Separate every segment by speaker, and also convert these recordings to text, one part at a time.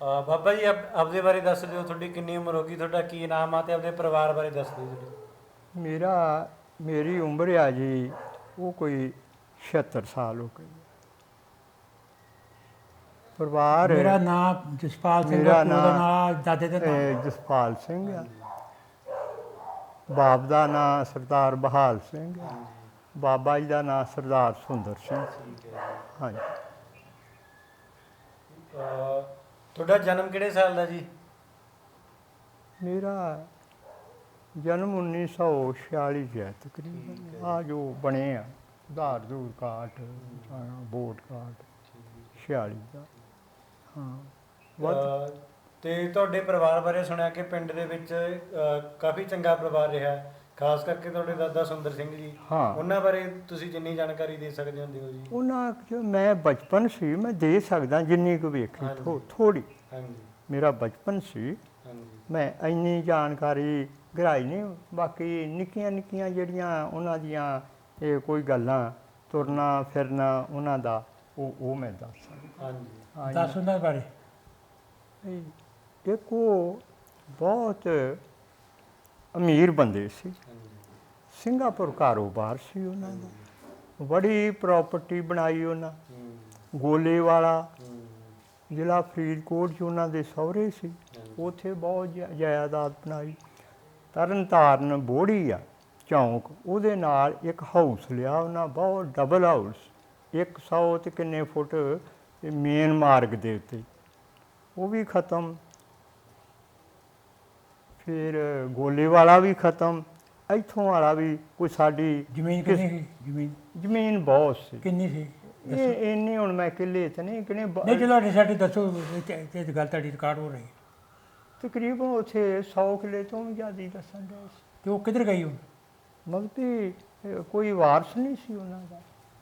Speaker 1: ਬਾਬਾ ਜੀ ਆਪਦੇ ਬਾਰੇ ਦੱਸ ਦਿਓ, ਤੁਹਾਡੀ ਕਿੰਨੀ ਉਮਰ ਹੋ ਗਈ, ਤੁਹਾਡਾ ਕੀ ਨਾਮ ਆ ਤੇ ਆਪਦੇ ਪਰਿਵਾਰ ਬਾਰੇ ਦੱਸ ਦਿਓ ਜੀ।
Speaker 2: ਮੇਰੀ ਉਮਰ ਆ ਜੀ ਉਹ ਕੋਈ 76 ਸਾਲ ਹੋ ਗਈ। ਪਰਿਵਾਰ
Speaker 3: ਮੇਰਾ ਨਾਮ ਜਸਪਾਲ ਸਿੰਘ,
Speaker 2: ਮੇਰਾ
Speaker 3: ਪਿਓ ਦਾ ਨਾਮ, ਦਾਦੇ ਦਾ ਨਾਮ
Speaker 2: ਜਸਪਾਲ ਸਿੰਘ ਆ। ਬਾਪ ਦਾ ਨਾਮ ਸਰਦਾਰ ਬਹਾਲ ਸਿੰਘ ਆ। ਬਾਬਾ ਜੀ ਦਾ ਨਾਮ ਸਰਦਾਰ ਸੁੰਦਰ ਸਿੰਘ।
Speaker 1: ਠੀਕ ਹੈ।
Speaker 2: ਹਾਂਜੀ।
Speaker 1: ਤੁਹਾਡਾ ਜਨਮ ਕਿਹੜੇ ਸਾਲ ਦਾ ਜੀ?
Speaker 2: ਮੇਰਾ ਜਨਮ 1946 'ਚ ਹੈ ਤਕਰੀਬਨ। ਆ ਜੋ ਬਣੇ ਆ ਆਧਾਰ ਦੂਰ ਕਾਰਡ, ਵੋਟ ਕਾਰਡ 46 ਦਾ। ਹਾਂ।
Speaker 1: ਤੇ ਤੁਹਾਡੇ ਪਰਿਵਾਰ ਬਾਰੇ ਸੁਣਿਆ ਕਿ ਪਿੰਡ ਦੇ ਵਿੱਚ ਕਾਫੀ ਚੰਗਾ ਪਰਿਵਾਰ ਰਿਹਾ, ਖਾਸ ਕਰਕੇ ਤੁਹਾਡੇ ਦਾਦਾ ਸੁੰਦਰ ਸਿੰਘ ਜੀ।
Speaker 2: ਹਾਂ।
Speaker 1: ਉਹਨਾਂ ਬਾਰੇ ਤੁਸੀਂ ਜਿੰਨੀ ਜਾਣਕਾਰੀ ਦੇ ਸਕਦੇ ਹੁੰਦੇ ਹੋ ਜੀ।
Speaker 2: ਉਹਨਾਂ 'ਚ ਮੈਂ ਬਚਪਨ ਸੀ, ਮੈਂ ਦੇ ਸਕਦਾ ਜਿੰਨੀ ਕੁ ਵੇਖੀ ਥੋੜੀ।
Speaker 1: ਹਾਂਜੀ।
Speaker 2: ਮੇਰਾ ਬਚਪਨ ਸੀ,
Speaker 1: ਹਾਂਜੀ।
Speaker 2: ਮੈਂ ਇੰਨੀ ਜਾਣਕਾਰੀ ਗਹਿਰਾਈ ਨਹੀਂ। ਬਾਕੀ ਨਿੱਕੀਆਂ ਨਿੱਕੀਆਂ ਜਿਹੜੀਆਂ ਉਹਨਾਂ ਦੀਆਂ ਇਹ ਕੋਈ ਗੱਲਾਂ, ਤੁਰਨਾ ਫਿਰਨਾ ਉਹਨਾਂ ਦਾ, ਉਹ ਮੈਂ ਦੱਸ ਸਕਦਾ।
Speaker 1: ਹਾਂਜੀ।
Speaker 3: ਦੱਸ ਉਹਨਾਂ ਬਾਰੇ।
Speaker 2: ਇੱਕ ਉਹ ਬਹੁਤ ਅਮੀਰ ਬੰਦੇ ਸੀ।
Speaker 1: ਹਾਂਜੀ।
Speaker 2: ਸਿੰਗਾਪੁਰ ਕਾਰੋਬਾਰ ਸੀ ਉਹਨਾਂ ਦਾ। ਬੜੀ ਪ੍ਰਾਪਰਟੀ ਬਣਾਈ ਉਹਨਾਂ। ਗੋਲੇ ਵਾਲਾ ਜ਼ਿਲ੍ਹਾ ਫਰੀਦਕੋਟ 'ਚ ਉਹਨਾਂ ਦੇ ਸਹੁਰੇ ਸੀ। ਉੱਥੇ ਬਹੁਤ ਜਾਇਦਾਦ ਬਣਾਈ। ਤਰਨ ਤਾਰਨ ਬੋੜੀ ਆ ਚੌਂਕ, ਉਹਦੇ ਨਾਲ ਇੱਕ ਹਾਊਸ ਲਿਆ ਉਹਨਾਂ, ਬਹੁਤ ਡਬਲ ਹਾਊਸ, 100 ਤੇ ਕਿੰਨੇ ਫੁੱਟ ਮੇਨ ਮਾਰਗ ਦੇ ਉੱਤੇ। ਉਹ ਵੀ ਖਤਮ। ਫਿਰ ਗੋਲੇ ਵਾਲਾ ਵੀ ਖਤਮ। ਇੱਥੋਂ ਵਾਲਾ ਵੀ ਕੋਈ ਸਾਡੀ
Speaker 3: ਜ਼ਮੀਨ ਕਿੰਨੀ ਸੀ?
Speaker 2: ਜ਼ਮੀਨ ਬਹੁਤ ਸੀ।
Speaker 3: ਕਿੰਨੀ ਸੀ?
Speaker 2: ਇਹ ਇੰਨੀ ਹੁਣ ਮੈਂ ਕਿੱਲੇ ਤਾਂ ਨਹੀਂ ਕਿਨੇ।
Speaker 3: ਨਹੀਂ ਚਲੋ ਸਾਡੇ ਦੱਸੋ, ਇਹ ਗੱਲ ਤੁਹਾਡੀ ਰਿਕਾਰਡ ਹੋ ਰਹੀ।
Speaker 2: ਤਕਰੀਬਨ ਉੱਥੇ 100 ਕਿੱਲੇ ਤੋਂ ਵੀ ਜ਼ਿਆਦਾ ਦੱਸਣ ਦੇ ਸੀ।
Speaker 3: ਤੇ ਉਹ ਕਿੱਧਰ ਗਈ ਹੁਣ?
Speaker 2: ਮਤਲਬ ਕਿ ਕੋਈ ਵਾਰਸ ਨਹੀਂ ਸੀ ਉਹਨਾਂ ਦਾ।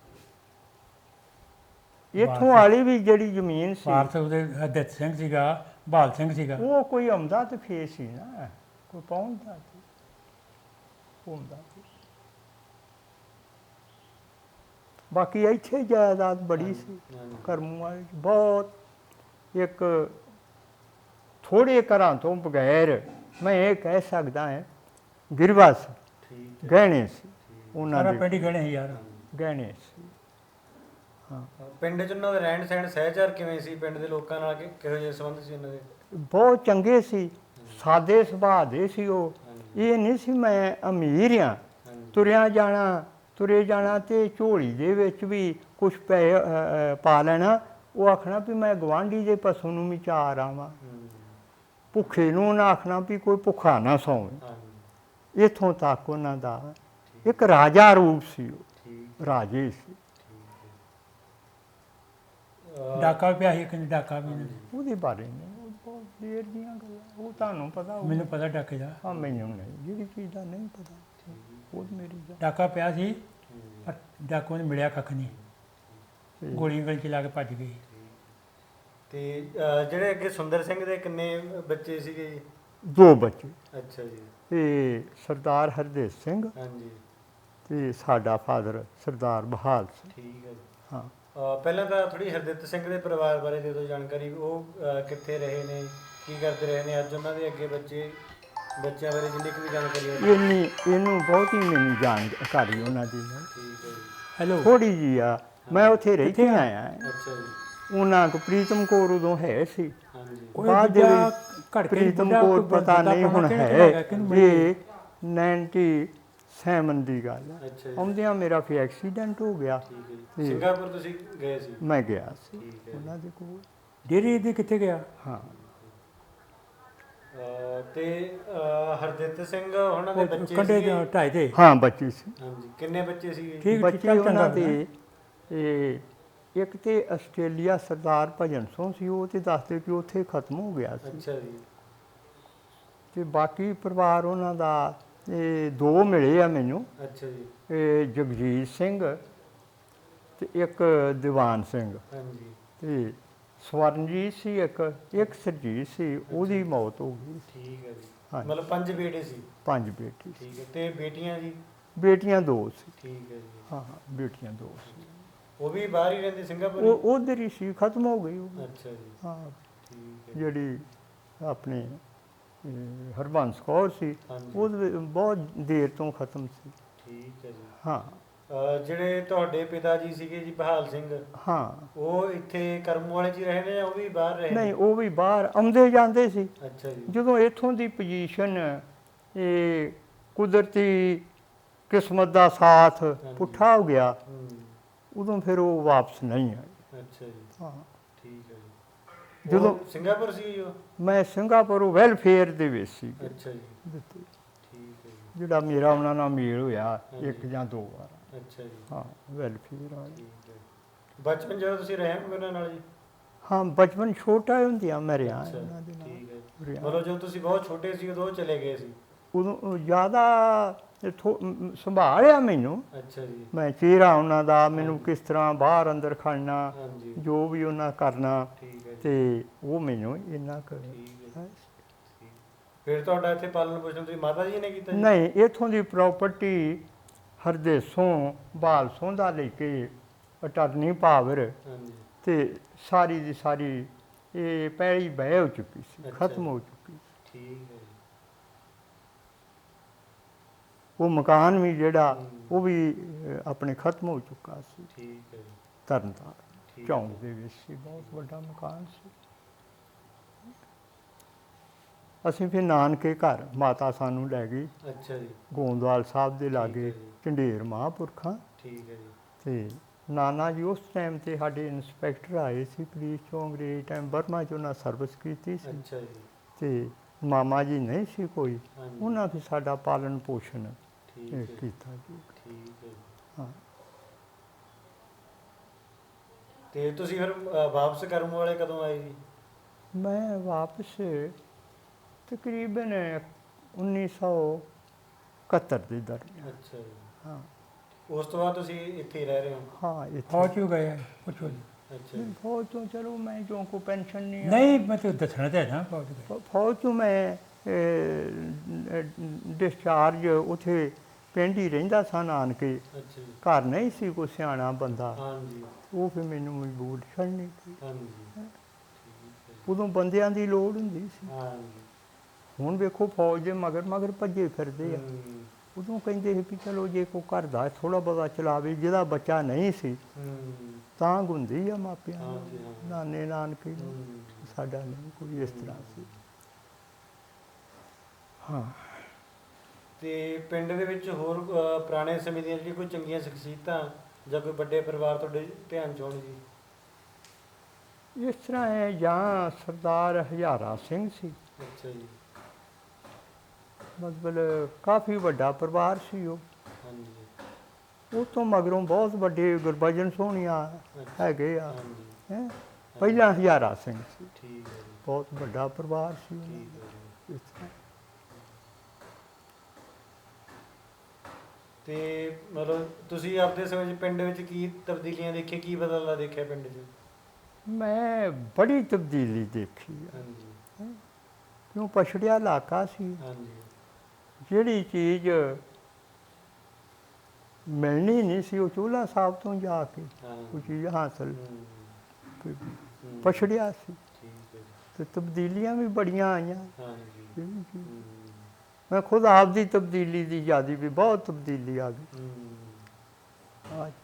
Speaker 2: ਇੱਥੋਂ ਵਾਲੀ ਵੀ ਜਿਹੜੀ ਜ਼ਮੀਨ ਸੀ,
Speaker 3: ਭਾਰਤ ਉਹਦੇ ਹਰਦਿੱਤ ਸਿੰਘ ਸੀਗਾ, ਬਹਾਲ ਸਿੰਘ ਸੀਗਾ।
Speaker 2: ਉਹ ਕੋਈ ਆਉਂਦਾ ਤੇ ਫੇਰ ਸੀ ਨਾ, ਕੋਈ ਪਹੁੰਚਦਾ ਸੀ, ਹੁੰਦਾ ਸੀ। ਬਾਕੀ ਇੱਥੇ ਜਾਇਦਾਦ ਬੜੀ ਸੀ ਕਰਮੂ ਵਾਲੀ, ਬਹੁਤ। ਇੱਕ ਥੋੜ੍ਹੇ ਘਰਾਂ ਤੋਂ ਬਗੈਰ ਮੈਂ ਇਹ ਕਹਿ ਸਕਦਾ ਹਾਂ ਗਿਰਵਾ ਸੀ, ਗਹਿਣੇ ਸੀ ਉਹਨਾਂ
Speaker 3: ਸਾਰਾ
Speaker 2: ਦੇ,
Speaker 3: ਪਿੰਡ ਹੀ ਗਹਿਣੇ ਸੀ ਯਾਰ।
Speaker 2: ਗਹਿਣੇ ਸੀ।
Speaker 1: ਪਿੰਡ 'ਚ ਉਹਨਾਂ ਦਾ ਰਹਿਣ ਸਹਿਣ ਸਹਿਚਾਰ ਕਿਵੇਂ ਸੀ? ਪਿੰਡ ਦੇ ਲੋਕਾਂ ਨਾਲ ਕਿਹੋ ਜਿਹੇ ਸੰਬੰਧ ਸੀ ਉਹਨਾਂ ਦੇ?
Speaker 2: ਬਹੁਤ ਚੰਗੇ ਸੀ, ਸਾਦੇ ਸੁਭਾਅ ਦੇ ਸੀ ਉਹ। ਇਹ ਨਹੀਂ ਸੀ ਮੈਂ ਅਮੀਰ ਹਾਂ, ਤੁਰੇ ਜਾਣਾ ਤੇ ਝੋਲੀ ਦੇ ਵਿੱਚ ਵੀ ਕੁਛ ਪੈਸੇ ਪਾ ਲੈਣਾ। ਉਹ ਆਖਣਾ ਵੀ ਮੈਂ ਗਵਾਂਢੀ ਦੇ ਪਸ਼ੂ ਨੂੰ ਵੀ ਚਾਰ ਆਵਾਂ। ਭੁੱਖੇ ਨੂੰ ਉਹਨਾਂ ਆਖਣਾ ਵੀ ਕੋਈ ਭੁੱਖਾ ਨਾ ਸੌਵੇ। ਇੱਥੋਂ ਤੱਕ ਉਹਨਾਂ ਦਾ ਇੱਕ ਰਾਜਾ ਰੂਪ ਸੀ, ਉਹ ਰਾਜੇ ਸੀ।
Speaker 3: ਡਾਕਾ ਵੀ ਪਿਆ ਸੀ, ਕਿੰਨੇ ਡਾਕਾ ਵੀ ਨਹੀਂ?
Speaker 2: ਉਹਦੇ ਬਾਰੇ ਨਹੀਂ, ਉਹ ਬਹੁਤ ਦੇਰ ਦੀਆਂ ਗੱਲਾਂ, ਉਹ ਤੁਹਾਨੂੰ ਪਤਾ ਹੋਊ।
Speaker 3: ਮੈਨੂੰ ਪਤਾ ਡਾਕੇ ਦਾ।
Speaker 2: ਹਾਂ, ਮੈਨੂੰ ਨਹੀਂ, ਜਿਹੜੀ ਚੀਜ਼ ਦਾ ਨਹੀਂ ਪਤਾ ਉਹ ਮੇਰੀ ਦਾ।
Speaker 3: ਡਾਕਾ ਪਿਆ ਸੀ, ਪਰ ਡਾਕੂ ਨੇ ਮਿਲਿਆ ਕੱਖ ਨਹੀਂ, ਗੋਲੀਆਂ ਗਲੀ 'ਚ ਲਾ ਕੇ ਭੱਜ ਗਈ।
Speaker 1: ਤੇ ਜਿਹੜੇ ਅੱਗੇ ਸੁੰਦਰ ਸਿੰਘ ਦੇ ਕਿੰਨੇ ਬੱਚੇ ਸੀਗੇ ਜੀ?
Speaker 2: 2 ਬੱਚੇ।
Speaker 1: ਅੱਛਾ ਜੀ।
Speaker 2: ਤੇ ਸਰਦਾਰ ਹਰਦੇਵ ਸਿੰਘ
Speaker 1: ਹਾਂਜੀ।
Speaker 2: ਤੇ ਸਾਡਾ ਫਾਦਰ ਸਰਦਾਰ ਬਹਾਲ ਸਿੰਘ।
Speaker 1: ਠੀਕ ਹੈ ਜੀ।
Speaker 2: ਹਾਂ।
Speaker 1: ਪਹਿਲਾਂ ਤਾਂ ਥੋੜੀ ਹਰਦਿੱਤ ਸਿੰਘ ਦੇ ਪਰਿਵਾਰ ਬਾਰੇ ਦੇ ਦਿਓ ਜਾਣਕਾਰੀ। ਉਹ ਕਿੱਥੇ ਰਹੇ ਨੇ, ਕੀ ਕਰਦੇ ਰਹੇ ਨੇ, ਅੱਜ ਉਹਨਾਂ ਦੇ ਅੱਗੇ ਬੱਚਿਆਂ ਬਾਰੇ ਜਿੰਨੀ ਕੁ ਵੀ ਜਾਣਕਾਰੀ ਹੋਵੇ।
Speaker 2: ਇਹਨੂੰ ਬਹੁਤੀ ਮੈਨੂੰ ਜਾਣਕਾਰੀ ਉਹਨਾਂ ਦੀ
Speaker 1: ਠੀਕ ਹੈ ਜੀ।
Speaker 3: ਹੈਲੋ,
Speaker 2: ਥੋੜੀ ਜੀ ਆ। ਮੈਂ ਉੱਥੇ ਰਹਿ ਕੇ ਆਇਆ।
Speaker 1: ਅੱਛਾ ਜੀ।
Speaker 2: ਉਹਨਾਂ ਕੋ ਪ੍ਰੀਤਮ ਕੌਰ ਉਦੋਂ ਹੈ ਸੀ।
Speaker 1: ਹਾਂਜੀ।
Speaker 2: ਬਾਅਦ ਦੇ ਵਿੱਚ ਪ੍ਰੀਤਮ ਕੌਰ ਪਤਾ ਨਹੀਂ ਹੁਣ ਹੈ। ਇਹ 97 ਦੀ ਗੱਲ ਹੈ।
Speaker 1: ਅੱਛਾ ਜੀ।
Speaker 2: ਆਉਂਦਿਆਂ ਮੇਰਾ ਫਿਰ ਐਕਸੀਡੈਂਟ ਹੋ ਗਿਆ।
Speaker 1: ਠੀਕ ਹੈ ਜੀ। ਸਿੰਗਾਪੁਰ ਤੁਸੀਂ ਗਏ ਸੀ?
Speaker 2: ਮੈਂ ਗਿਆ ਸੀ
Speaker 1: ਠੀਕ ਹੈ।
Speaker 2: ਉਹਨਾਂ ਦੇ ਕੋਲ।
Speaker 3: ਡੇਰੀ ਦੀ ਕਿੱਥੇ ਗਿਆ?
Speaker 2: ਹਾਂ।
Speaker 1: ਤੇ ਹਰਦਿੱਤ ਸਿੰਘ ਉਹਨਾਂ ਦੇ ਬੱਚੇ
Speaker 3: ਕੰਡੇ
Speaker 1: ਸੀਗੇ?
Speaker 3: ਢਾਈ ਤੇ।
Speaker 2: ਹਾਂ, ਬੱਚੇ ਸੀ।
Speaker 1: ਹਾਂਜੀ। ਕਿੰਨੇ ਬੱਚੇ ਸੀਗੇ?
Speaker 3: ਠੀਕ
Speaker 2: ਬੱਚੇ ਉਹਨਾਂ ਦੇ ਇੱਕ ਤੇ ਆਸਟ੍ਰੇਲੀਆ ਸਰਦਾਰ ਭਜਨ ਸਿੰਘ ਸੀ, ਉਹ ਤੇ ਦੱਸਦੇ ਕਿ ਉੱਥੇ ਖਤਮ ਹੋ ਗਿਆ ਸੀ।
Speaker 1: ਅੱਛਾ ਜੀ।
Speaker 2: ਤੇ ਬਾਕੀ ਪਰਿਵਾਰ ਉਹਨਾਂ ਦਾ 2 ਮਿਲੇ ਆ ਮੈਨੂੰ।
Speaker 1: ਅੱਛਾ ਜੀ।
Speaker 2: ਜਗਜੀਤ ਸਿੰਘ ਤੇ ਇੱਕ ਦੀਵਾਨ ਸਿੰਘ।
Speaker 1: ਹਾਂਜੀ।
Speaker 2: ਤੇ ਸਵਰਨਜੀਤ ਸੀ ਇੱਕ ਸਰਜੀਤ ਸੀ, ਉਹਦੀ ਮੌਤ ਹੋ ਗਈ।
Speaker 1: ਠੀਕ ਹੈ ਜੀ।
Speaker 2: ਹਾਂਜੀ।
Speaker 1: ਮਤਲਬ 5 ਬੇਟੇ ਸੀ?
Speaker 2: 5 ਬੇਟੀ।
Speaker 1: ਠੀਕ ਹੈ। ਤੇ ਬੇਟੀਆਂ ਜੀ?
Speaker 2: ਬੇਟੀਆਂ 2 ਸੀ।
Speaker 1: ਠੀਕ ਹੈ ਜੀ।
Speaker 2: ਹਾਂ, ਬੇਟੀਆਂ 2 ਸੀ।
Speaker 1: ਉਹ ਵੀ ਬਾਹਰ ਹੀ ਰਹਿੰਦੇ ਸਿੰਗਾਪੁਰ?
Speaker 2: ਉਹ ਉਧਰ ਹੀ ਸੀ, ਖਤਮ ਹੋ ਗਈ ਉਹ।
Speaker 1: ਅੱਛਾ ਜੀ।
Speaker 2: ਹਾਂ।
Speaker 1: ਠੀਕ ਹੈ
Speaker 2: ਜਿਹੜੀ ਆਪਣੇ ਹਰਬੰਸ ਕੌਰ ਸੀ,
Speaker 1: ਹਾਂਜੀ
Speaker 2: ਉਹ ਬਹੁਤ ਦੇਰ ਤੋਂ ਖਤਮ ਸੀ।
Speaker 1: ਠੀਕ ਹੈ ਜੀ।
Speaker 2: ਹਾਂ
Speaker 1: ਜਿਹੜੇ ਤੁਹਾਡੇ ਪਿਤਾ ਜੀ ਸੀਗੇ ਜੀ ਬਹਾਲ ਸਿੰਘ,
Speaker 2: ਹਾਂ
Speaker 1: ਉਹ ਇੱਥੇ ਕਰਮ ਵਾਲੇ 'ਚ ਹੀ ਰਹੇ ਨੇ ਜਾਂ ਉਹ ਵੀ ਬਾਹਰ ਰਹੇ
Speaker 2: ਨਹੀਂ,
Speaker 1: ਨੇ?
Speaker 2: ਉਹ ਵੀ ਬਾਹਰ ਆਉਂਦੇ ਜਾਂਦੇ ਸੀ।
Speaker 1: ਅੱਛਾ ਜੀ।
Speaker 2: ਜਦੋਂ ਇੱਥੋਂ ਦੀ ਪੋਜੀਸ਼ਨ ਇਹ ਕੁਦਰਤੀ ਕਿਸਮਤ ਦਾ ਸਾਥ ਪੁੱਠਾ ਹੋ ਗਿਆ,
Speaker 1: ਹੂੰ।
Speaker 2: ਉਦੋਂ ਫਿਰ ਉਹ ਵਾਪਸ ਨਹੀਂ ਆਏ।
Speaker 1: ਅੱਛਾ ਜੀ।
Speaker 2: ਹਾਂ
Speaker 1: ਠੀਕ ਹੈ ਜੀ।
Speaker 2: ਜਦੋਂ
Speaker 1: ਉਹ ਸਿੰਗਾਪੁਰ ਸੀ ਜੀ ਉਹ?
Speaker 2: ਮੈਂ ਸਿੰਗਾਪੁਰ ਵੈਲਫੇਅਰ ਦੇ ਵਿੱਚ ਸੀ
Speaker 1: ਅੱਛਾ ਜੀ।
Speaker 2: ਦਿੱਤੇ,
Speaker 1: ਠੀਕ ਹੈ ਜੀ।
Speaker 2: ਜਿਹੜਾ ਮੇਰਾ ਉਹਨਾਂ ਨਾਲ ਮੇਲ ਹੋਇਆ
Speaker 1: ਹਾਂਜੀ।
Speaker 2: ਇੱਕ ਜਾਂ ਦੋ ਵਾਰ।
Speaker 1: ਅੱਛਾ ਜੀ।
Speaker 2: ਹਾਂ ਵੈਲਫੇਅਰ ਵਾਲੇ।
Speaker 1: ਠੀਕ ਹੈ। ਬਚਪਨ ਜਦੋਂ ਤੁਸੀਂ ਰਹੇ ਹੋ ਉਹਨਾਂ ਨਾਲ ਜੀ?
Speaker 2: ਹਾਂ ਬਚਪਨ ਛੋਟਾ ਹੁੰਦਿਆਂ ਮੈਂ ਰਿਹਾ
Speaker 1: ਅੱਛਾ,
Speaker 2: ਉਹਨਾਂ ਦੇ
Speaker 1: ਠੀਕ ਹੈ।
Speaker 2: ਨਾਲ ਰਿਹਾ।
Speaker 1: ਮਤਲਬ ਜਦੋਂ ਤੁਸੀਂ ਬਹੁਤ ਛੋਟੇ ਸੀ ਉਦੋਂ ਉਹ ਚਲੇ ਗਏ ਸੀ?
Speaker 2: ਉਦੋਂ ਜ਼ਿਆਦਾ ਸੰਭਾਲਿਆ ਮੈਨੂੰ।
Speaker 1: ਅੱਛਾ ਜੀ।
Speaker 2: ਮੈਂ ਚਿਹਰਾ ਉਹਨਾਂ ਦਾ, ਮੈਨੂੰ
Speaker 1: ਹਾਂਜੀ।
Speaker 2: ਕਿਸ ਤਰ੍ਹਾਂ ਬਾਹਰ ਅੰਦਰ ਖੜਨਾ,
Speaker 1: ਹਾਂਜੀ।
Speaker 2: ਜੋ ਵੀ ਉਹਨਾਂ ਕਰਨਾ,
Speaker 1: ਠੀਕ ਹੈ ਜੀ।
Speaker 2: ਤੇ ਉਹ ਮੈਨੂੰ ਇੰਨਾ ਕੁ
Speaker 1: ਠੀਕ ਹੈ। ਠੀਕ। ਫਿਰ ਤੁਹਾਡਾ ਇੱਥੇ ਪਾਲਣ ਪੋਸ਼ਣ ਤੁਸੀਂ ਮਾਤਾ ਜੀ ਨੇ ਕੀਤਾ ਜੀ?
Speaker 2: ਨਹੀਂ, ਇੱਥੋਂ ਦੀ ਪ੍ਰਾਪਰਟੀ ਹਰਦੇਸੋਂ ਬਾਲਸੋਂ ਦਾ ਲੈ ਕੇ ਅਟਾਰਨੀ ਪਾਵਰ
Speaker 1: ਹਾਂਜੀ।
Speaker 2: ਤੇ ਸਾਰੀ ਦੀ ਸਾਰੀ ਇਹ ਪਹਿਲੀ ਬਹਿ ਹੋ ਚੁੱਕੀ ਸੀ,
Speaker 1: ਅੱਛਾ
Speaker 2: ਖਤਮ
Speaker 1: ਜੀ।
Speaker 2: ਹੋ ਚੁੱਕੀ।
Speaker 1: ਠੀਕ ਹੈ ਜੀ।
Speaker 2: ਉਹ ਮਕਾਨ ਵੀ ਜਿਹੜਾ
Speaker 1: ਹੂੰ।
Speaker 2: ਉਹ ਵੀ ਆਪਣੇ ਖਤਮ ਹੋ ਚੁੱਕਾ ਸੀ।
Speaker 1: ਠੀਕ ਹੈ ਜੀ।
Speaker 2: ਤਰਨਤਾਰਨ
Speaker 1: ਠੀਕ
Speaker 2: ਚੌਂਕ
Speaker 1: ਹੈ।
Speaker 2: ਦੇ ਵਿੱਚ ਸੀ, ਬਹੁਤ ਵੱਡਾ ਮਕਾਨ ਸੀ। ਅਸੀਂ ਫਿਰ ਨਾਨਕੇ ਘਰ ਮਾਤਾ ਸਾਨੂੰ ਲੈ ਗਈ
Speaker 1: ਅੱਛਾ ਜੀ।
Speaker 2: ਗੋਂਦਵਾਲ ਸਾਹਿਬ ਦੇ
Speaker 1: ਠੀਕ
Speaker 2: ਲਾਗੇ,
Speaker 1: ਹੈ ਜੀ।
Speaker 2: ਝੰਡੇਰ ਮਹਾਂਪੁਰਖਾਂ।
Speaker 1: ਠੀਕ ਹੈ ਜੀ।
Speaker 2: ਤੇ ਨਾਨਾ ਜੀ ਉਸ ਟਾਈਮ ਤੇ ਸਾਡੇ ਇੰਸਪੈਕਟਰ ਆਏ ਸੀ ਪੁਲਿਸ ਚੋਂ, ਅੰਗਰੇਜ਼ ਟਾਈਮ ਬਰਮਾ 'ਚ ਉਹਨਾਂ ਸਰਵਿਸ ਕੀਤੀ ਸੀ।
Speaker 1: ਅੱਛਾ ਜੀ।
Speaker 2: ਤੇ ਮਾਮਾ ਜੀ ਨਹੀਂ ਸੀ ਕੋਈ,
Speaker 1: ਹਾਂਜੀ।
Speaker 2: ਉਹਨਾਂ ਫਿਰ ਸਾਡਾ ਪਾਲਣ ਪੋਸ਼ਣ
Speaker 1: ਠੀਕ ਹੈ ਜੀ।
Speaker 2: ਕੀਤਾ ਜੀ।
Speaker 1: ਠੀਕ ਹੈ ਜੀ।
Speaker 2: ਹਾਂ
Speaker 1: ਤੇ ਤੁਸੀਂ ਫਿਰ ਵਾਪਸ ਕਰਮ ਵਾਲੇ ਕਦੋਂ ਆਏ ਜੀ?
Speaker 2: ਮੈਂ ਵਾਪਸ ਤਕਰੀਬਨ 1971 ਦੇ ਦਰਮਿਆਨ।
Speaker 1: ਅੱਛਾ ਜੀ।
Speaker 2: ਹਾਂ
Speaker 1: ਉਸ ਤੋਂ ਬਾਅਦ ਤੁਸੀਂ ਇੱਥੇ ਹੀ ਰਹਿ ਰਹੇ ਹੋ?
Speaker 2: ਹਾਂ ਇੱਥੇ
Speaker 3: ਫੌਜ ਕਿਉਂ ਗਏ ਪੁੱਛੋ ਜੀ।
Speaker 1: ਅੱਛਾ ਜੀ।
Speaker 2: ਫੌਜ ਤੋਂ ਚਲੋ ਮੈਂ ਜੋ ਕੋ ਪੈਨਸ਼ਨ ਨਹੀਂ ਆ-
Speaker 3: ਨਹੀਂ ਮੈਂ ਤਾਂ ਦੱਸਣਾ ਤਾਂ ਹੈ ਨਾ ਫੌਜ ਗਏ।
Speaker 2: ਫੌਜ ਤੋਂ ਮੈਂ ਡਿਸਚਾਰਜ ਉੱਥੇ ਪਿੰਡ ਹੀ ਰਹਿੰਦਾ ਸਾਂ ਨਾਨਕੇ।
Speaker 1: ਅੱਛਾ ਜੀ।
Speaker 2: ਘਰ ਨਹੀਂ ਸੀ ਕੋਈ ਸਿਆਣਾ ਬੰਦਾ,
Speaker 1: ਹਾਂਜੀ।
Speaker 2: ਉਹ ਫਿਰ ਮੈਨੂੰ ਮਜਬੂਰ ਛੱਡਣੀ ਪਈ।
Speaker 1: ਹਾਂਜੀ। ਠੀਕ ਹੈ ਜੀ।
Speaker 2: ਉਦੋਂ ਬੰਦਿਆਂ ਦੀ ਲੋੜ ਹੁੰਦੀ ਸੀ।
Speaker 1: ਹਾਂਜੀ।
Speaker 2: ਹੁਣ ਵੇਖੋ ਫੌਜ ਦੇ ਮਗਰ ਮਗਰ ਭੱਜੇ ਫਿਰਦੇ ਆ।
Speaker 1: ਹੂੰ।
Speaker 2: ਉਦੋਂ ਕਹਿੰਦੇ ਸੀ ਵੀ ਚਲੋ ਜੇ ਕੋਈ ਘਰ ਦਾ ਥੋੜਾ ਬਹੁਤਾ ਚਲਾਵੇ, ਜਿਹਦਾ ਬੱਚਾ ਨਹੀਂ ਸੀ
Speaker 1: ਹੂੰ।
Speaker 2: ਤਾਂ ਹੁੰਦੀ ਆ ਮਾਪਿਆਂ ਨੂੰ,
Speaker 1: ਹਾਂਜੀ, ਹਾਂ।
Speaker 2: ਨਾਨੇ ਨਾਨਕੇ ਨੂੰ।
Speaker 1: ਹੂੰ।
Speaker 2: ਸਾਡਾ ਨਹੀਂ ਕੋਈ ਇਸ ਤਰ੍ਹਾਂ ਸੀ। ਹਾਂ
Speaker 1: ਤੇ ਪਿੰਡ ਦੇ ਵਿੱਚ ਹੋਰ ਪੁਰਾਣੇ ਸਮੇਂ ਦੀਆਂ ਜਿਹੜੀ ਕੋਈ ਚੰਗੀਆਂ ਸ਼ਖਸੀਅਤਾਂ ਜਾਂ ਕੋਈ ਵੱਡੇ ਪਰਿਵਾਰ ਤੁਹਾਡੇ ਧਿਆਨ 'ਚ ਹੋਣ ਜੀ?
Speaker 2: ਇਸ ਤਰ੍ਹਾਂ ਹੈ, ਜਾਂ ਸਰਦਾਰ ਹਜ਼ਾਰਾ ਸਿੰਘ ਸੀ,
Speaker 1: ਅੱਛਾ ਜੀ।
Speaker 2: ਮਤਲਬ ਕਾਫੀ ਵੱਡਾ ਪਰਿਵਾਰ ਸੀ ਉਹ।
Speaker 1: ਹਾਂਜੀ।
Speaker 2: ਉਹ ਤੋਂ ਮਗਰੋਂ ਬਹੁਤ ਵੱਡੇ ਗੁਰਬਚਨ ਸੋਹਣੀਆਂ
Speaker 1: ਅੱਛਾ।
Speaker 2: ਹੈਗੇ ਆ।
Speaker 1: ਹਾਂਜੀ।
Speaker 2: ਹੈਂ। ਪਹਿਲਾਂ ਹਜ਼ਾਰਾ ਸਿੰਘ ਸੀ,
Speaker 1: ਠੀਕ ਹੈ ਜੀ।
Speaker 2: ਬਹੁਤ ਵੱਡਾ ਪਰਿਵਾਰ ਸੀ ਉਹਨਾਂ
Speaker 1: ਠੀਕ
Speaker 2: ਦਾ।
Speaker 1: ਹੈ ਜੀ।
Speaker 2: ਇਸ ਤਰ੍ਹਾਂ।
Speaker 1: ਤੇ ਮਤਲਬ ਤੁਸੀਂ ਆਪਦੇ ਸਮੇਂ 'ਚ ਪਿੰਡ ਵਿੱਚ ਕੀ ਤਬਦੀਲੀਆਂ ਦੇਖੀਆਂ, ਕੀ ਬਦਲਾਅ ਦੇਖਿਆ ਪਿੰਡ 'ਚ?
Speaker 2: ਮੈਂ ਬੜੀ ਤਬਦੀਲੀ ਦੇਖੀ ਆ,
Speaker 1: ਹਾਂਜੀ।
Speaker 2: ਕਿਉਂ ਪਛੜਿਆ ਇਲਾਕਾ ਸੀ।
Speaker 1: ਹਾਂਜੀ।
Speaker 2: ਜਿਹੜੀ ਚੀਜ਼ ਮਿਲਣੀ ਨਹੀਂ ਸੀ ਉਹ ਚੋਲਾ ਸਾਹਿਬ ਤੋਂ ਜਾ ਕੇ
Speaker 1: ਹਾਂ।
Speaker 2: ਉਹ ਚੀਜ਼ ਹਾਸਲ
Speaker 1: ਹੂੰ। ਹੂੰ।
Speaker 2: ਪਛੜਿਆ ਸੀ।
Speaker 1: ਠੀਕ ਹੈ ਜੀ।
Speaker 2: ਤੇ ਤਬਦੀਲੀਆਂ ਵੀ ਬੜੀਆਂ ਆਈਆਂ।
Speaker 1: ਹਾਂਜੀ।
Speaker 2: ਇਹ ਵੀ ਚੀਜ਼।
Speaker 1: ਹੂੰ।
Speaker 2: ਮੈਂ ਖੁਦ ਆਪਦੀ ਤਬਦੀਲੀ ਦੀ ਯਾਦੀ ਵੀ ਬਹੁਤ ਤਬਦੀਲੀ ਆ ਗਈ।
Speaker 1: ਹੂੰ।
Speaker 2: ਹਾਂ ਜੀ।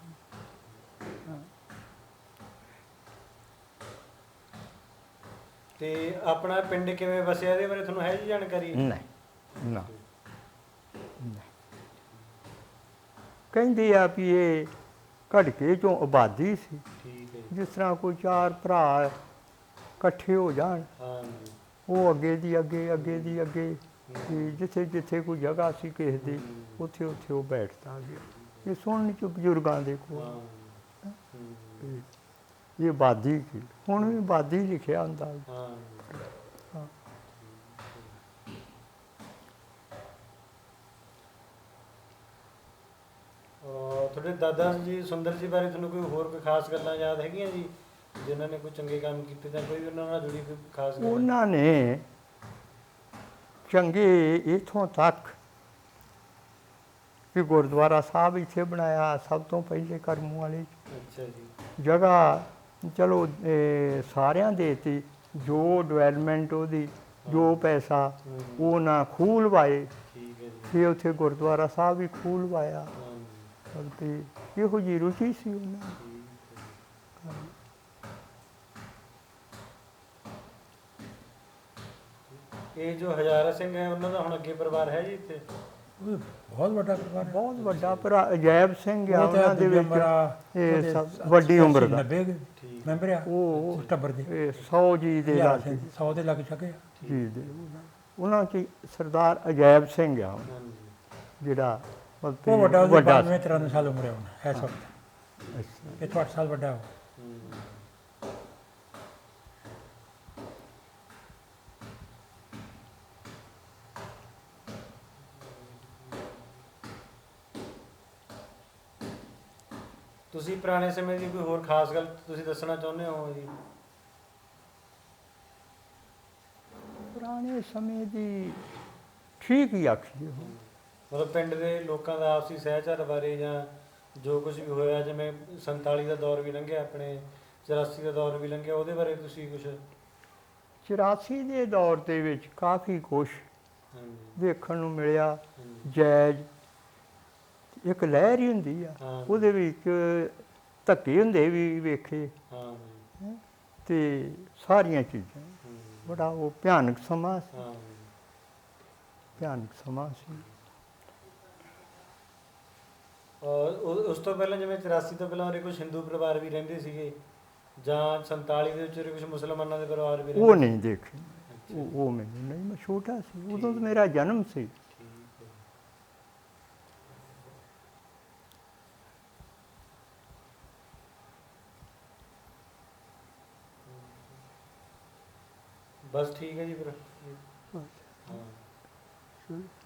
Speaker 1: ਤੇ ਆਪਣਾ ਪਿੰਡ ਕਿਵੇਂ ਵਸਿਆ, ਇਹਦੇ ਬਾਰੇ ਤੁਹਾਨੂੰ ਹੈ ਜੀ ਜਾਣਕਾਰੀ?
Speaker 2: ਨਹੀਂ ਨਾ ਕਹਿੰਦੇ ਆ ਵੀ ਇਹ ਘੜਕੇ ਚੋਂ ਆਬਾਦੀ ਸੀ,
Speaker 1: ਠੀਕ ਹੈ ਜੀ।
Speaker 2: ਜਿਸ ਤਰ੍ਹਾਂ ਕੋਈ ਚਾਰ ਭਰਾ ਇਕੱਠੇ ਹੋ ਜਾਣ,
Speaker 1: ਹਾਂਜੀ।
Speaker 2: ਉਹ ਅੱਗੇ ਦੀ ਅੱਗੇ, ਅੱਗੇ ਦੀ ਅੱਗੇ, ਤੇ ਜਿੱਥੇ ਜਿੱਥੇ ਕੋਈ ਜਗ੍ਹਾ ਸੀ ਕਿਸੇ ਦੀ, ਉੱਥੇ ਉੱਥੇ ਉਹ ਬੈਠਦਾ ਗਿਆ। ਇਹ ਸੁਣਨ ਚ ਬਜ਼ੁਰਗਾਂ ਦੇ
Speaker 1: ਹਾਂ।
Speaker 2: ਕੋਲ
Speaker 1: ਹੂੰ।
Speaker 2: ਇਹ ਆਬਾਦੀ ਸੀ। ਹੁਣ ਵੀ ਆਬਾਦੀ ਲਿਖਿਆ ਹੁੰਦਾ।
Speaker 1: ਹਾਂ।
Speaker 2: ਹਾਂ।
Speaker 1: ਤੁਹਾਡੇ ਦਾਦਾ ਜੀ ਸੁੰਦਰ ਜੀ ਬਾਰੇ ਤੁਹਾਨੂੰ ਕੋਈ ਹੋਰ ਕੋਈ ਖਾਸ ਗੱਲਾਂ ਯਾਦ ਹੈਗੀਆਂ ਜੀ, ਜਿਨ੍ਹਾਂ ਨੇ ਕੋਈ ਚੰਗੇ ਕੰਮ ਕੀਤੇ ਜਾਂ ਕੋਈ ਉਹਨਾਂ ਨਾਲ ਜੁੜੀ ਕੋਈ ਖਾਸ ਗੱਲ?
Speaker 2: ਉਹਨਾਂ ਨੇ ਚੰਗੇ ਇਥੋਂ ਤੱਕ ਕਿ ਗੁਰਦੁਆਰਾ ਸਾਹਿਬ ਇੱਥੇ ਬਣਾਇਆ, ਸਭ ਤੋਂ ਪਹਿਲੇ ਕਰਮ ਵਾਲੇ 'ਚ।
Speaker 1: ਅੱਛਾ ਜੀ।
Speaker 2: ਜਗ੍ਹਾ ਚਲੋ ਸਾਰਿਆਂ ਦੇ ਦਿੱਤੀ, ਜੋ ਡਿਵੈਲਪਮੈਂਟ ਉਹਦੀ, ਜੋ ਪੈਸਾ
Speaker 1: ਹੂੰ,
Speaker 2: ਉਹ ਨਾ ਖੂਹ ਲਵਾਏ,
Speaker 1: ਠੀਕ ਹੈ ਜੀ।
Speaker 2: ਫਿਰ ਉੱਥੇ ਗੁਰਦੁਆਰਾ ਸਾਹਿਬ ਵੀ ਖੂਹ ਲਵਾਇਆ।
Speaker 1: ਹਾਂਜੀ,
Speaker 2: ਤੇ ਇਹੋ ਜਿਹੀ ਰੁਚੀ ਸੀ ਉਹਨਾਂ ਦੀ।
Speaker 1: ਠੀਕ ਹੈ। ਇਹ ਜੋ ਹਜ਼ਾਰਾ ਸਿੰਘ ਹੈ ਉਹਨਾਂ ਦਾ ਹੁਣ ਅੱਗੇ ਪਰਿਵਾਰ ਹੈ ਜੀ ਇੱਥੇ?
Speaker 3: ਉਹ ਬਹੁਤ ਵੱਡਾ ਪਰਿਵਾਰ ਹੈ।
Speaker 2: ਬਹੁਤ ਵੱਡਾ ਭਰਾ ਅਜੈਬ ਸਿੰਘ ਆ
Speaker 3: ਉਹ ਤਾਂ
Speaker 2: ਉਹਨਾਂ ਦੇ
Speaker 3: ਦੂਜਾ
Speaker 2: ਵਿੱਚ।
Speaker 3: ਮੇਰਾ
Speaker 2: ਇਹ
Speaker 3: ਉਹਦੇ
Speaker 2: ਸਭ ਵੱਡੀ ਉਮਰ ਦਾ।
Speaker 3: 90
Speaker 1: ਠੀਕ।
Speaker 3: ਮੈਂਬਰ ਆ
Speaker 2: ਉਹ
Speaker 3: ਉਸ ਟੱਬਰ ਦੇ।
Speaker 2: ਇਹ 100 ਜੀ ਦੇ
Speaker 3: ਹਜ਼ਾਰ
Speaker 2: ਲਾਗੇ,
Speaker 3: ਸਿੰਘ 100 ਦੇ ਲੱਗ ਸਕੇ।
Speaker 2: ਜੀ ਦੇ ਉਹਨਾਂ ਚ ਸਰਦਾਰ ਅਜੈਬ ਸਿੰਘ ਆ
Speaker 1: ਹਾਂਜੀ,
Speaker 2: ਜਿਹੜਾ
Speaker 3: ਉਹ ਵੱਡਾ, ਉਹਦੀ
Speaker 2: ਵੱਡਾ
Speaker 3: 92 93 ਸਾਲ ਉਮਰ ਹੈ ਹੁਣ ਇਸ ਵਕਤ।
Speaker 2: ਅੱਛਾ।
Speaker 3: ਇਹ ਤੋਂ 8 ਸਾਲ ਵੱਡਾ ਉਹ।
Speaker 1: ਹੂੰ। ਤੁਸੀਂ ਪੁਰਾਣੇ ਸਮੇਂ ਦੀ ਕੋਈ ਹੋਰ ਖਾਸ ਗੱਲ ਤੁਸੀਂ ਦੱਸਣਾ ਚਾਹੁੰਦੇ ਹੋ ਜੀ?
Speaker 2: ਪੁਰਾਣੇ ਸਮੇਂ ਦੀ ਠੀਕ ਹੀ ਆਖੀਏ ਉਹ।
Speaker 1: ਮਤਲਬ ਪਿੰਡ ਦੇ ਲੋਕਾਂ ਦਾ ਆਪਸੀ ਸਹਿਚਾਰ ਬਾਰੇ, ਜਾਂ ਜੋ ਕੁਝ ਵੀ ਹੋਇਆ, ਜਿਵੇਂ 47 ਦਾ ਦੌਰ ਵੀ ਲੰਘਿਆ, ਆਪਣੇ 84 ਦਾ ਦੌਰ ਵੀ ਲੰਘਿਆ, ਉਹਦੇ ਬਾਰੇ ਤੁਸੀਂ ਕੁਝ?
Speaker 2: 84 ਦੇ ਦੌਰ ਦੇ ਵਿੱਚ ਕਾਫੀ ਕੁਛ
Speaker 1: ਹਾਂਜੀ,
Speaker 2: ਦੇਖਣ ਨੂੰ ਮਿਲਿਆ।
Speaker 1: ਹਾਂਜੀ,
Speaker 2: ਜੈਜ਼ ਇੱਕ ਲਹਿਰ ਹੀ ਹੁੰਦੀ ਆ,
Speaker 1: ਹਾਂ,
Speaker 2: ਉਹਦੇ ਵਿੱਚ ਧੱਕੇ ਹੁੰਦੇ ਵੀ ਵੇਖੇ,
Speaker 1: ਹਾਂ,
Speaker 2: ਤੇ ਸਾਰੀਆਂ ਚੀਜ਼ਾਂ।
Speaker 1: ਹੂੰ,
Speaker 2: ਬੜਾ ਉਹ ਭਿਆਨਕ ਸਮਾਂ ਸੀ,
Speaker 1: ਹਾਂ।
Speaker 2: ਭਿਆਨਕ ਸਮਾਂ ਸੀ।
Speaker 1: ਔਰ ਉਸ ਤੋਂ ਪਹਿਲਾਂ ਜਿਵੇਂ 84 ਤੋਂ ਪਹਿਲਾਂ ਉਰੇ ਕੁਝ ਹਿੰਦੂ ਪਰਿਵਾਰ ਵੀ ਰਹਿੰਦੇ ਸੀਗੇ, ਜਾਂ 47 ਦੇ ਵਿੱਚ ਉਰੇ ਕੁਝ ਮੁਸਲਮਾਨਾਂ ਦੇ ਪਰਿਵਾਰ ਵੀ
Speaker 2: ਉਹ
Speaker 1: ਰਹਿੰਦੇ?
Speaker 2: ਨਹੀਂ ਦੇਖੇ,
Speaker 1: ਅੱਛਾ,
Speaker 2: ਉਹ ਮੈਨੂੰ ਨਹੀਂ, ਮੈਂ ਛੋਟਾ ਸੀ ਉਦੋਂ, ਤਾਂ ਮੇਰਾ ਜਨਮ ਸੀ।
Speaker 1: ਠੀਕ ਹੈ। ਬਸ ਠੀਕ ਹੈ ਜੀ ਫਿਰ। ਹਾਂ।
Speaker 2: ਚਲੋ।